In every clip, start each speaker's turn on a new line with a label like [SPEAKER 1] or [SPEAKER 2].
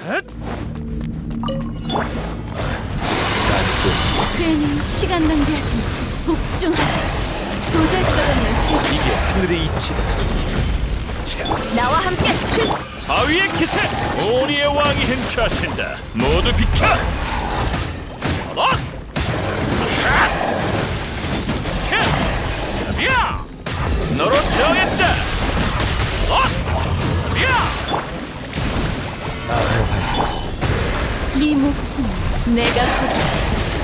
[SPEAKER 1] 괜히 시간 낭비하지 마. 복종하라. 도잘것없는 지기.
[SPEAKER 2] 이게 하늘의 이치다.
[SPEAKER 1] 나와 함께 출.
[SPEAKER 3] 바위의 기세! 오니의 왕이 행차하신다. 모두 비켜! 어? 야! 너로 정했다! 야!
[SPEAKER 1] 네 목숨 내가 거두지.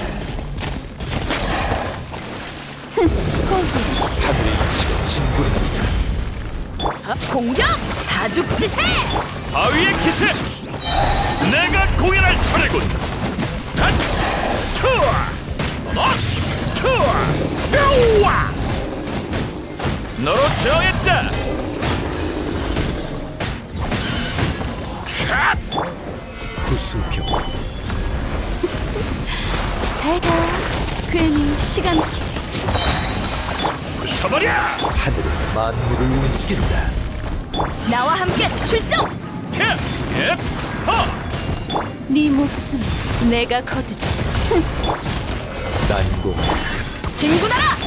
[SPEAKER 1] 거기
[SPEAKER 2] 하늘의 이치가 진군한다.
[SPEAKER 1] 공격! 다죽지세!
[SPEAKER 3] 바위의 기세! 내가 공연할 차례군! 투어! 투어! 야! 너로 정했다!
[SPEAKER 2] 구수병.
[SPEAKER 1] 잘가. 괜히 시간.
[SPEAKER 3] 부숴버려!
[SPEAKER 2] 하늘은 만물을 움직인다.
[SPEAKER 1] 나와 함께 출정! 네 목숨 내가 거두지.
[SPEAKER 2] 난공.
[SPEAKER 1] 진군하라!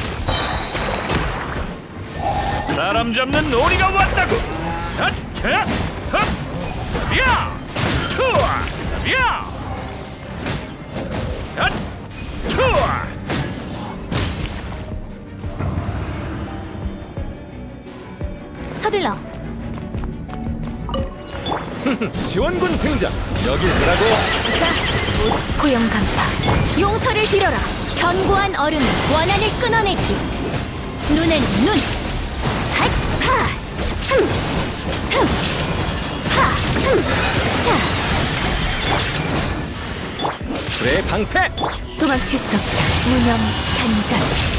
[SPEAKER 3] 사람 잡는 놀이가 왔다고! 야! 투어! 야! 투어!
[SPEAKER 1] 서둘러.
[SPEAKER 2] 지원군 등장. 여길 보라고.
[SPEAKER 1] 고용 간파. 용서를 빌어라. 견고한 얼음은 원한을 끊어내지. 눈에는 눈. 핫! 하! 흠! 흠! 하! 흠! 자!
[SPEAKER 2] 불의 방패.
[SPEAKER 1] 도망칠 수 없다. 무념 단전.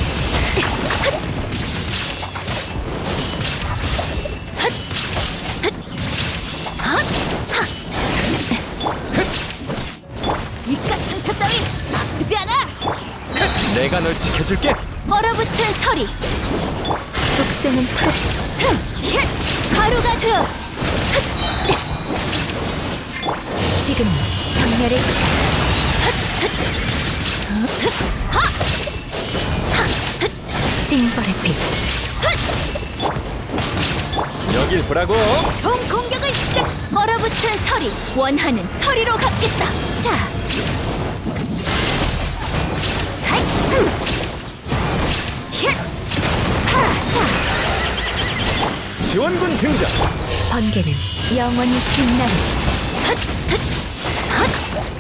[SPEAKER 1] 이깟 상처 따위 아프지 않아.
[SPEAKER 2] 내가 널 지켜줄게.
[SPEAKER 1] 얼어붙은 서리. 족쇄는 풀어. 가루가 되어. 지금 정렬의 시간. 징벌의 빛.
[SPEAKER 2] 여길 보라고.
[SPEAKER 1] 총 공격을 시작. 얼어붙은 서리. 원하는 서리로 갚겠다. 자. 하이.
[SPEAKER 2] 지원군 등장.
[SPEAKER 1] 번개는 영원히 빛나는.